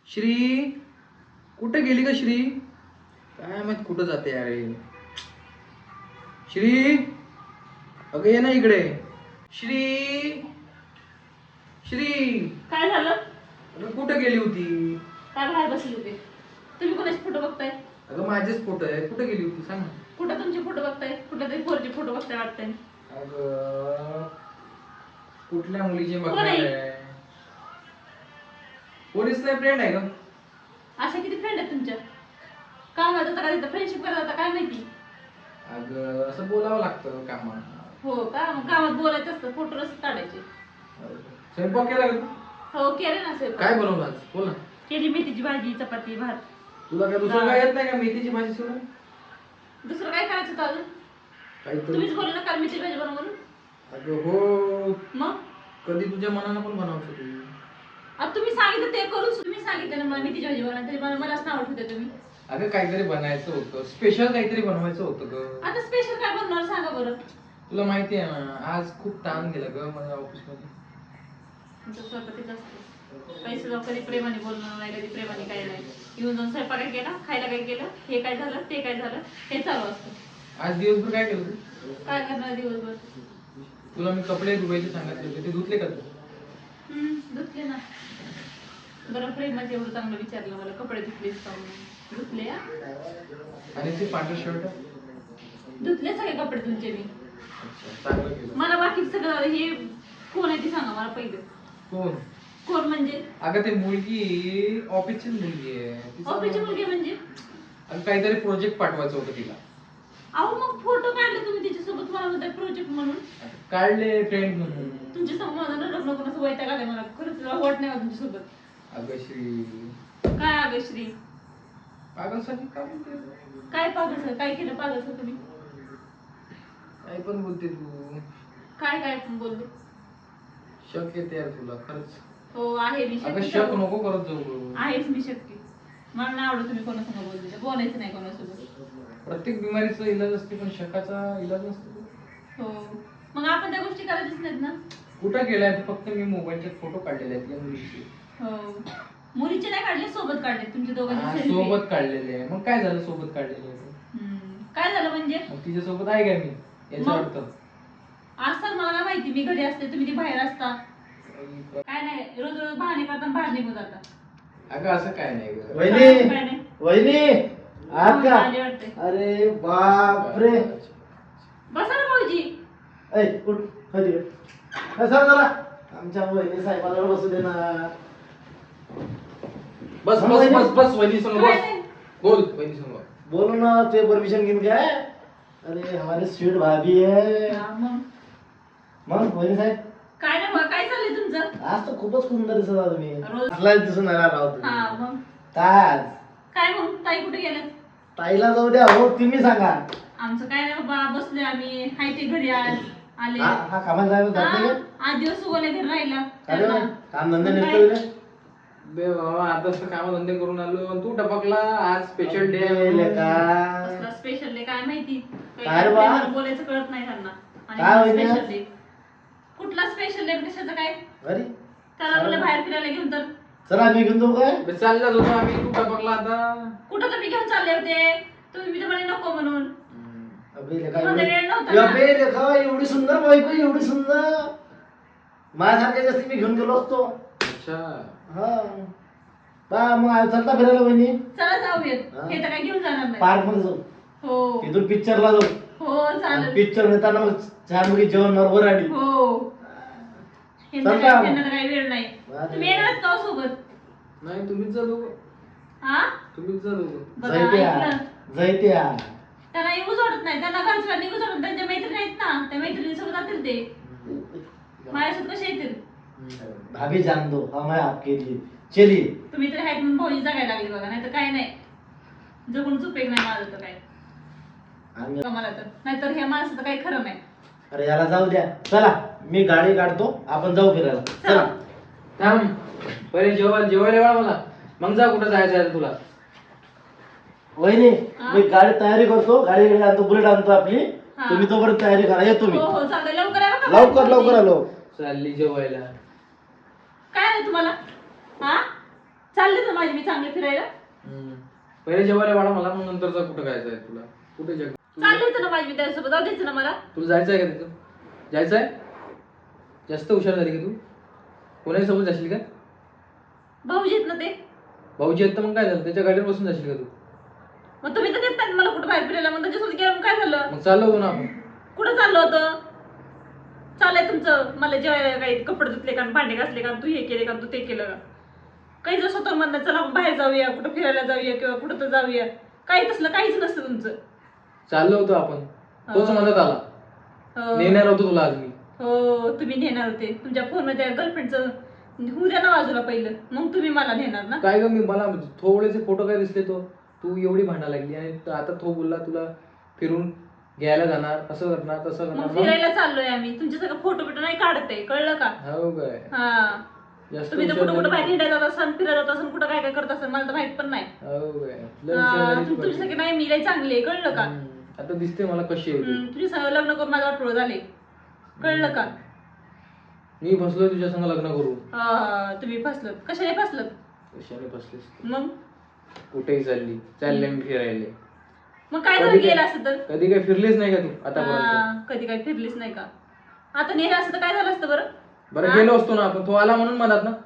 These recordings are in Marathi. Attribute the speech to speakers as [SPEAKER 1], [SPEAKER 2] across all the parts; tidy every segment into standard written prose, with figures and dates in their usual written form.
[SPEAKER 1] श्री कुठे गेली का श्री? काय माहित कुठं जाते यार श्री. अगं ये ना इकडे श्री. श्री
[SPEAKER 2] काय झालं?
[SPEAKER 1] अगं कुठे गेली होती?
[SPEAKER 2] काय बाहेर बसले होते? तुम्ही कोणाचे फोटो बघताय?
[SPEAKER 1] अगं माझेच फोटो आहे. कुठे गेली होती सांग ना.
[SPEAKER 2] कुठं तुमचे फोटो बघताय? कुठल्या तरी फोरचे फोटो बघताय वाटतंय.
[SPEAKER 1] अगं कुठल्या मुलीचे
[SPEAKER 2] कोण
[SPEAKER 1] बघणार
[SPEAKER 2] आहे?
[SPEAKER 1] आहे? पोलीस नाही फ्रेंड आहे का?
[SPEAKER 2] अशा किती फ्रेंड आहेत तुमच्या? का माझं तर काय फ्रेंडशिप करत होता काय माहिती?
[SPEAKER 1] अगं असं बोलावं लागतं कामात.
[SPEAKER 2] हो का? मग कामात बोलायचं असतं, फोटो रस काढायचे.
[SPEAKER 1] स्वयंपाक केला का तू?
[SPEAKER 2] हो केले ना स्वयंपाक.
[SPEAKER 1] काय बनवलं आज? बोल ना.
[SPEAKER 2] केली मेथीची भाजी, चपाती, भात.
[SPEAKER 1] तुला काय दुसरं काय येत नाही का मेथीची भाजी सोडून?
[SPEAKER 2] दुसरं काय करायचं होतं अजून?
[SPEAKER 1] काहीतरी.
[SPEAKER 2] तुम्हीच बोलले ना काल मेथीची भाजी बनव म्हणून.
[SPEAKER 1] अगं हो,
[SPEAKER 2] मग
[SPEAKER 1] कधी तुझ्या मनानं पण बनवू शकतो.
[SPEAKER 2] आता तुम्ही सांगितलं ते करून तुम्ही सांगितलं ना मला मेथीची भाजी बनवायला तरी मलाच नाव ठेवते तुम्ही.
[SPEAKER 1] अगं काहीतरी बनायचं होतं, स्पेशल काहीतरी बनवायचं होतं ग.
[SPEAKER 2] आता स्पेशल काय बनवणार सांगा बरं.
[SPEAKER 1] तुला माहिती आहे ना आज खूप ताण गेला ग माझ्या ऑफिसमध्ये.
[SPEAKER 2] तुमचं स्वतःच असतं. पैसे जाऊ कधी प्रेमाने बोलणार नाही, कधी प्रेमाने काय नाही. येऊन जाऊन स्वयंपाक काय केला, खायला काय केलं, हे काय झालं, ते काय झालं, हे चालू असतं.
[SPEAKER 1] आज दिवसभर काय केलं तू?
[SPEAKER 2] काय करणार दिवसभर?
[SPEAKER 1] तुला मी कपडे धुवायचे सांगितले होते, ते धुतले का तू?
[SPEAKER 2] धुतले ना. बरं प्रेमाचे एवढं चांगलं विचारलं मला, कपडे धुतलेस का म्हणून. धुतले हा.
[SPEAKER 1] आणि ते पांढरं शर्ट?
[SPEAKER 2] धुतले सगळे कपडे तुमचे मी.
[SPEAKER 1] अच्छा चांगलं केलं.
[SPEAKER 2] मला बाकी सगळं हे कोण आहे ते सांगा मला पहिलं.
[SPEAKER 1] कोण?
[SPEAKER 2] कोण म्हणजे?
[SPEAKER 1] अगं ते मुलगी ऑफिसचीच मुलगी आहे.
[SPEAKER 2] ऑफिसची मुलगी म्हणजे?
[SPEAKER 1] अगं काहीतरी प्रोजेक्ट पाठवायचं होतं तिला.
[SPEAKER 2] अहो मग फोटो काढले तुम्ही तिच्यासोबत, मला म्हणताय प्रोजेक्ट म्हणून.
[SPEAKER 1] काढले फ्रेंड म्हणून.
[SPEAKER 2] तुमच्या समोर माझं लग्न कोणाचं वैताग आलाय मला, खरंच वाट नाही तुमच्यासोबत.
[SPEAKER 1] अगं श्री
[SPEAKER 2] काय अगं श्री?
[SPEAKER 1] पागलसाठी का बोलते?
[SPEAKER 2] काय पागल सर? काय केलं पागल सर तुम्ही?
[SPEAKER 1] काय पण बोलते तू.
[SPEAKER 2] काय काय पण बोलले?
[SPEAKER 1] शक येते यार तुला खरंच.
[SPEAKER 2] हो आहे मी
[SPEAKER 1] अगं
[SPEAKER 2] शक्की.
[SPEAKER 1] शक नको करत जाऊ.
[SPEAKER 2] आहेच मी शक्की. मला नाही आवडत तुम्ही कोणासमोर बोलते, बोलायचं नाही कोणासोबत.
[SPEAKER 1] प्रत्येक बिमारीचा इलाज असते पण शकाचा इलाज नसतो.
[SPEAKER 2] हो मग आपण त्या गोष्टी करायच्याच नाहीत ना.
[SPEAKER 1] कुठं गेलाय? फक्त मी मोबाईलचे फोटो काढलेले आहेत या मुलीचे.
[SPEAKER 2] हो मुलीचे नाही काढले, सोबत काढले तुमच्या
[SPEAKER 1] हा,
[SPEAKER 2] दोघांचे selfie.
[SPEAKER 1] सोबत काढलेले आहे. मग काय झालं सोबत काढलेले आहे?
[SPEAKER 2] काय झालं म्हणजे?
[SPEAKER 1] मग तिच्या सोबत आहे काय मी याचा
[SPEAKER 2] मग?
[SPEAKER 1] अर्थ?
[SPEAKER 2] असतात मला काय माहिती, मी घरी असते तुम्ही ती बाहेर असता. काय नाही, रोज रोज बहाणे करता बाहेर निघून जाता.
[SPEAKER 1] अगं असं काय नाही ग.
[SPEAKER 2] काय
[SPEAKER 3] वहिनी
[SPEAKER 2] नाही.
[SPEAKER 3] वहिनी आत का?
[SPEAKER 2] आले वाटते.
[SPEAKER 3] अरे बापरे.
[SPEAKER 2] बसा ना भाऊजी.
[SPEAKER 3] ऐ उठ हळदी सर जरा आमच्या वहिनी साहेबाला बसू दे ना.
[SPEAKER 1] बस बस बस बस वहिनी संग
[SPEAKER 2] काय
[SPEAKER 1] बस.
[SPEAKER 2] नाही.
[SPEAKER 1] बोल वहिनी संग.
[SPEAKER 3] बोलो ना ते परमिशन घेऊन काय. अरे हमारे स्वीट भाभी है.
[SPEAKER 2] हा, मग
[SPEAKER 3] मग वहिनी साहेब
[SPEAKER 2] काय नाही बघा, काय चाललंय तुमचं?
[SPEAKER 3] आज तर खूपच सुंदर दिसत आहात तुम्ही.
[SPEAKER 2] रोज-
[SPEAKER 3] असलाच दिसून आला राव
[SPEAKER 2] हा
[SPEAKER 3] तुम्ही.
[SPEAKER 2] मग
[SPEAKER 3] काय आज
[SPEAKER 2] काय मग ताई कुठे गेल्या?
[SPEAKER 3] ताईला जाऊ द्या हो तुम्ही सांगा.
[SPEAKER 2] आमचं काय नाही बाबा, बसले आम्ही, हाय ते घरी आज आले.
[SPEAKER 3] हा कामाला जायला जात नाही का?
[SPEAKER 2] 8 दिवस उगवले घरी राहिला.
[SPEAKER 3] अरे वा, काम धंदा
[SPEAKER 2] मग
[SPEAKER 3] निघतो
[SPEAKER 2] काय?
[SPEAKER 1] बे बाबा आता काम धंदे करून आलो आणि तू टपकला. आज स्पेशल डे
[SPEAKER 2] कसला स्पेशल डे काय माहिती?
[SPEAKER 3] काय रे बा?
[SPEAKER 2] आपल्याला बोलायचं कळत नाही त्यांना.
[SPEAKER 3] काय होईल
[SPEAKER 2] स्पेशल
[SPEAKER 3] आज?
[SPEAKER 2] डे कुठला स्पेशल डे कशाचं काय?
[SPEAKER 3] अरे
[SPEAKER 2] त्याला बोलले बाहेर फिरायला घेऊन तर
[SPEAKER 3] चला मी घेऊन जाऊ काय.
[SPEAKER 1] चाललाच होतो आम्ही, तू टपकला आता.
[SPEAKER 2] कुठं तुम्ही घेऊन चालले होते? तुम्ही तर म्हणे नको म्हणून.
[SPEAKER 3] अबे लेका
[SPEAKER 2] तुम्हाला
[SPEAKER 3] एवढी-
[SPEAKER 2] वेळ नव्हता ना?
[SPEAKER 3] अबे लेका एवढी सुंदर बायको एवढी सुंदर माझ्यासारख्या जास्ती मी घेऊन गेलो असतो.
[SPEAKER 1] अच्छा
[SPEAKER 3] हा बा मग आज चलता फिरायला बहिणी
[SPEAKER 2] चला जाऊयात.
[SPEAKER 3] हा.
[SPEAKER 2] हे तर काय घेऊन जाणार नाही.
[SPEAKER 3] पार्क मध्ये जाऊ.
[SPEAKER 2] हो
[SPEAKER 3] तिथून पिक्चरला जाऊ.
[SPEAKER 2] हो चालेल.
[SPEAKER 3] पिक्चर नेताना मग छान मुली जेवण बरोबर आली.
[SPEAKER 2] हो ह्यांचं
[SPEAKER 3] चल का?
[SPEAKER 2] काय- ह्यांना तर काही वेळ नाही.
[SPEAKER 3] अरे.
[SPEAKER 2] तुम्ही येणार का हो सोबत?
[SPEAKER 1] नाही तुम्हीच जा दोघं.
[SPEAKER 2] हा
[SPEAKER 1] तुम्हीच जा दोघं.
[SPEAKER 2] बघा
[SPEAKER 3] जैत्या
[SPEAKER 2] ऐकलं.
[SPEAKER 3] जैत्या
[SPEAKER 2] त्यांना येऊच वाटत नाही, त्यांना घरचं निघूच वाटत. त्यांच्या मैत्रिणी आहेत ना, त्या मैत्रिणीसोबत जातील ते. माझ्यासोबत कसे येतील?
[SPEAKER 3] भाभी जान दो हम है आपके लिए चलिए.
[SPEAKER 2] तुम्ही तर आहेत म्हणून भाऊजी जगायला लागली बघा, नाही तर काय नाही. जगूनच उपयोग नाही माझं तर काय.
[SPEAKER 3] आम्ही-
[SPEAKER 2] मला तर नाहीतर ह्या माणसाचं काही खरं नाही.
[SPEAKER 3] अरे याला जाऊ द्या. चला मी गाडी काढतो आपण जाऊ फिरायला. चला
[SPEAKER 1] थांब पहिले जेवायला वाढ मला, मग जा कुठं जायचं आहे तुला.
[SPEAKER 3] वहिनी
[SPEAKER 2] हा?
[SPEAKER 3] मी गाडी तयारी करतो. गाडी आणतो बुलेट आणतो आपली.
[SPEAKER 2] हा.
[SPEAKER 3] तुम्ही तोपर्यंत तयारी करा येतो मी.
[SPEAKER 2] हो हो चालेल, लवकर या बघा.
[SPEAKER 3] लवकर लवकर आलो.
[SPEAKER 1] चालली जेवायला.
[SPEAKER 2] काय नाही तुम्हाला? हा चालले तर माझी मी चांगले फिरायला.
[SPEAKER 1] पहिले जेवायला वाढा मला, मग नंतरचा कुठं जायचं आहे तुला? कुठे
[SPEAKER 2] चालले होतं ना माझी मी त्याच्यासोबत, जाऊ द्यायचं ना मला.
[SPEAKER 1] तुला जायचं आहे का तिथं? जायचं आहे? जास्त हुशार झाली का तू? कोणाही सोबत जाशील का?
[SPEAKER 2] भाऊजी आहेत ना ते.
[SPEAKER 1] भाऊजी आहेत तर मग काय झालं, त्याच्या गाडीवर बसून जाशील का तू?
[SPEAKER 2] मग तुम्ही तर देत नाही मला कुठं बाहेर फिरायला, मग त्याच्यासोबत गेलं मग काय झालं?
[SPEAKER 1] मग चाललो होतो ना आपण.
[SPEAKER 2] कुठं चाललं होतं? चाललंय तुमचं मला जेवायला काही कपडे धुतले का, भांडे घासले का, तू हे केले का, तू ते केलं का? काही जर स्वतः म्हणणं चला आपण बाहेर जाऊया, कुठं फिरायला जाऊया किंवा कुठं तर जाऊया, काही तसलं काहीच नसतं तुमचं.
[SPEAKER 1] चाललो होतो आपण, तोच मदत आला.
[SPEAKER 2] हो.
[SPEAKER 1] नेणार होतो तुला आज मी.
[SPEAKER 2] हो तुम्ही नेणार होते, तुमच्या फोनमध्ये गर्लफ्रेंडचं होऊ द्या ना बाजूला पहिलं, मग तुम्ही मला नेणार ना.
[SPEAKER 1] काय ग, मी मला थोडेसे फोटो काय दिसले तो, तू एवढी भांडा लागली आणि आता तो बोलला तुला फिरून घ्यायला जाणार, असं करणार तसं
[SPEAKER 2] मग
[SPEAKER 1] करणार.
[SPEAKER 2] फिरायला चाललोय आम्ही, तुमच्या सगळं फोटो बिटो नाही काढत आहे, कळलं का?
[SPEAKER 1] हो काय?
[SPEAKER 2] हा
[SPEAKER 1] जास्त
[SPEAKER 2] तुम्ही तर
[SPEAKER 1] हुशार
[SPEAKER 2] कुठं कुठं बाहेर
[SPEAKER 1] झाली.
[SPEAKER 2] हिंडायला जात असाल, फिरत जात असाल, कुठं काय काय करत असाल मला तर माहित पण नाही.
[SPEAKER 1] हो काय? लय हुशार झाली तू
[SPEAKER 2] तुमची
[SPEAKER 1] पण.
[SPEAKER 2] सगळी नाही मी लई चांगली आहे, कळलं का?
[SPEAKER 1] आता दिसते मला कशी आहे तू.
[SPEAKER 2] तुझ्या संग लग्न करून माझं वाटोळं झाले, कळलं का?
[SPEAKER 1] मी फसलोय तुझ्या संग लग्न करू.
[SPEAKER 2] तुम्ही फसलत, कशाने फसलत?
[SPEAKER 1] कशाने फसलीस?
[SPEAKER 2] मग
[SPEAKER 1] कुठेही चालले मी फिरायला.
[SPEAKER 2] मग काय झालं
[SPEAKER 1] कधी काय-
[SPEAKER 2] गेलं असतं तर?
[SPEAKER 1] कधी काय फिरलीच नाही का तू आतापर्यंत?
[SPEAKER 2] कधी काय फिरलीच नाही का? आता नेलं असतं तर काय झालं असतं बरं?
[SPEAKER 1] बरं गेलो असतो ना आपण, तो आला म्हणून मनात ना.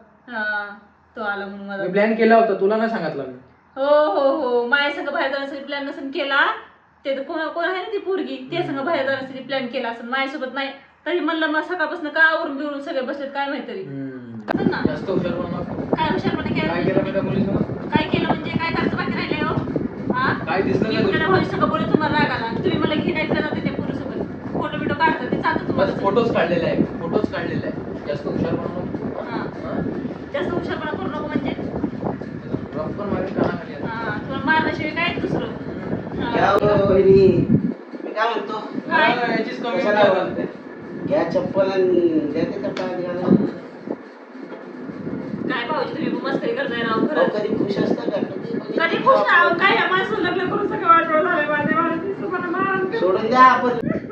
[SPEAKER 2] तो आला म्हणून मला.
[SPEAKER 1] मी प्लॅन केला होता, तुला नाही सांगितलं मी.
[SPEAKER 2] हो हो हो माझ्या संग बाहेर जाण्यासाठी प्लॅन नसेल केला, ते तर कोण कोण आहे ना ती पोरगी, ते संग बाहेर जाण्यासाठी प्लॅन केला असेल माझ्यासोबत नाही. तरी म्हणलं मग सकाळपासून का आवरून बिवरून सगळे बसलेत काय माहित तरी. असं ना.
[SPEAKER 1] जास्त हुशार बनू नका.
[SPEAKER 2] काय हुशारपणे
[SPEAKER 1] काय केलं मी त्या मुलीसोबत?
[SPEAKER 2] काय केलं म्हणजे काय करायचं बाकी राहिले हो?
[SPEAKER 1] काय दिसलं
[SPEAKER 2] मी
[SPEAKER 1] नाही
[SPEAKER 2] कुणाला
[SPEAKER 1] तुला?
[SPEAKER 2] भाऊ सगळं बोलत तुम्हाला राग आला, तुम्ही मला घेण्यायला जाते त्या पोरीसोबत, फोटो बिटो काढतात ते चालतं
[SPEAKER 1] बस
[SPEAKER 2] तुम्हाला.
[SPEAKER 1] फोटोच काढलेला आहे, फोटोच काढलेला आहे. जास्त हुशार बनू नको.
[SPEAKER 2] हा. जास्त हुशारपणा करू नको म्हणजे
[SPEAKER 1] रफ पण मारेल कानाखाली आता.
[SPEAKER 2] तुला मारण्याशिवाय काय दुसरं.
[SPEAKER 3] घ्या वहिनी, मी काय म्हणतो,
[SPEAKER 2] काय?
[SPEAKER 1] याचीच कमी
[SPEAKER 3] कशाला
[SPEAKER 1] होती आता.
[SPEAKER 3] बोलते? घ्या चप्पल आणि द्या ते चप्पल घ्यायला.
[SPEAKER 2] काय भाऊजी तुम्ही मस्करी करताय राव
[SPEAKER 3] अहो,
[SPEAKER 2] खरंच.
[SPEAKER 3] कधी खुश असता का?
[SPEAKER 2] कधी खुश ना काय या माणसाला लग्न करून सगळं वाटवलं झालंय माझे माणूस तुम्हाला मारून
[SPEAKER 3] सोडून द्या आपण.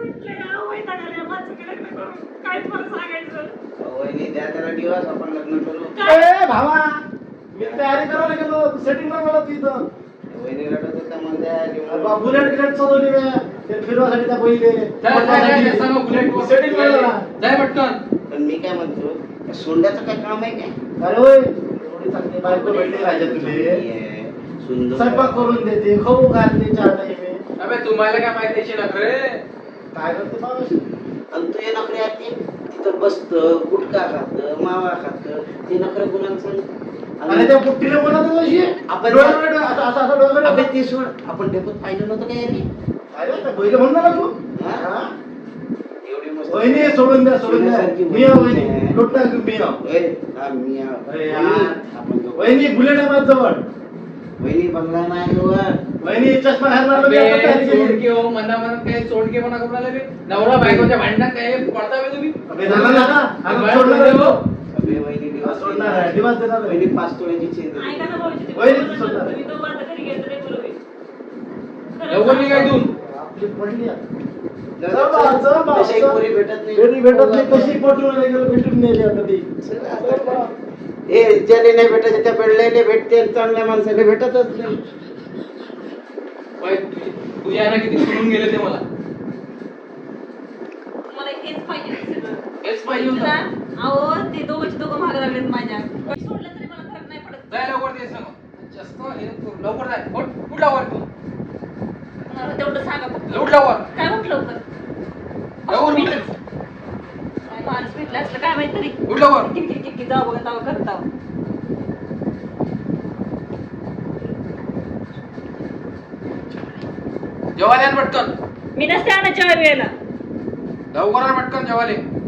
[SPEAKER 2] काय तुम्हाला सांगायचं.
[SPEAKER 3] अहो, वहिनी द्या त्याला दिवस, आपण लग्न करू.
[SPEAKER 2] काय?
[SPEAKER 3] भावा, मी तयारी करायला गेलो, सेटिंग नाही मिळत इथं. वहिनी रडत होता म्हणत्या बुलेट गिलेट चालवली मी, ते फिरवासाठी त्या पहिले
[SPEAKER 1] जा, सांगा बुलेटवर.
[SPEAKER 3] सेटिंग मिळालं ना.
[SPEAKER 1] जाय पटकन.
[SPEAKER 3] पण मी काय म्हणतो, त्या सोंड्याचं काय काम आहे काय? अरे होय, एवढी चांगली बायको भेटली राजा तुले, सुंदर स्वयंपाक करून देते, खाऊ घालते, चार टाइम.
[SPEAKER 1] अबे तुम्हाला काय माहिती याची नखरे?
[SPEAKER 3] काय करते माणूस? आणि तू हे नखरे आहेत तिथं बसतं, गुटखा खातं, मावा खातं, ते नखरे गुणांचं. आणि त्या पुट्टीला बोलत कशी आपण आपण ते सोड, आपण डेपोत पाहिलं नव्हतं काय यांनी? पहिले म्हणणार तू एवढी मस्त वहिनी सोडून द्या, सोडून द्या. मी आहो वहिनी, लोटा मी आहो. वहिनी बुलेट आहे माझ्या जवळ. वहिनी बंगला नाही वर. वहिनी चष्मा घालणार
[SPEAKER 1] सोडके हो, मनामनात काय सोडके म्हणा करून आले बे? नवरा बायकोच्या भांडणात काय पडता बे तुम्ही?
[SPEAKER 3] सोडणार आहे, दिवस देणार वहिनी 5 तोळ्याची चेन.
[SPEAKER 2] ऐका ना भाऊजी तुम्ही
[SPEAKER 3] वहिनी
[SPEAKER 2] बोलत
[SPEAKER 3] सोडणार
[SPEAKER 2] नका.
[SPEAKER 3] आहे.
[SPEAKER 2] तुम्ही दोघं आता घरी गेलं तरी बरोबर.
[SPEAKER 1] लवकर निघा इथून.
[SPEAKER 3] आपली पडली आहे. तशी एक पोरी भेटत नाही, कशी पटवून भेटून नेली आता ती. ज्याने नाही भेटायचे त्या पेडल्याने भेटते, चांगल्या माणसाने भेटतच नाही.
[SPEAKER 1] बाई, तुझ्या आईला किती सोडून गेले ते मला.
[SPEAKER 2] मला हेच पाहिजे सगळं.
[SPEAKER 1] हेच पाहिजे होतं.
[SPEAKER 2] तुला- अहो ते दोघं मागे लागलेत माझ्या. काही सोडलं तरी मला फरक नाही पडत.
[SPEAKER 1] जाय लवकर ते सांग. जास्त हे नको. लवकर जाय. उठ लवकर तू.
[SPEAKER 2] मला तेवढं सांगा फक्त.
[SPEAKER 1] उठ लवकर.
[SPEAKER 2] काय म्हटलं लवकर?
[SPEAKER 1] लवकर उठ.
[SPEAKER 2] काय माणूस भेटला असलं काय माहित तरी.
[SPEAKER 1] उठ लवकर.
[SPEAKER 2] किती जाऊ बघा तावं करत आहो.
[SPEAKER 1] जेवायला आण पटकन.
[SPEAKER 2] मी नसते आणत जेव्हा वेळेला.
[SPEAKER 1] लवकर आण पटकन जेवायला.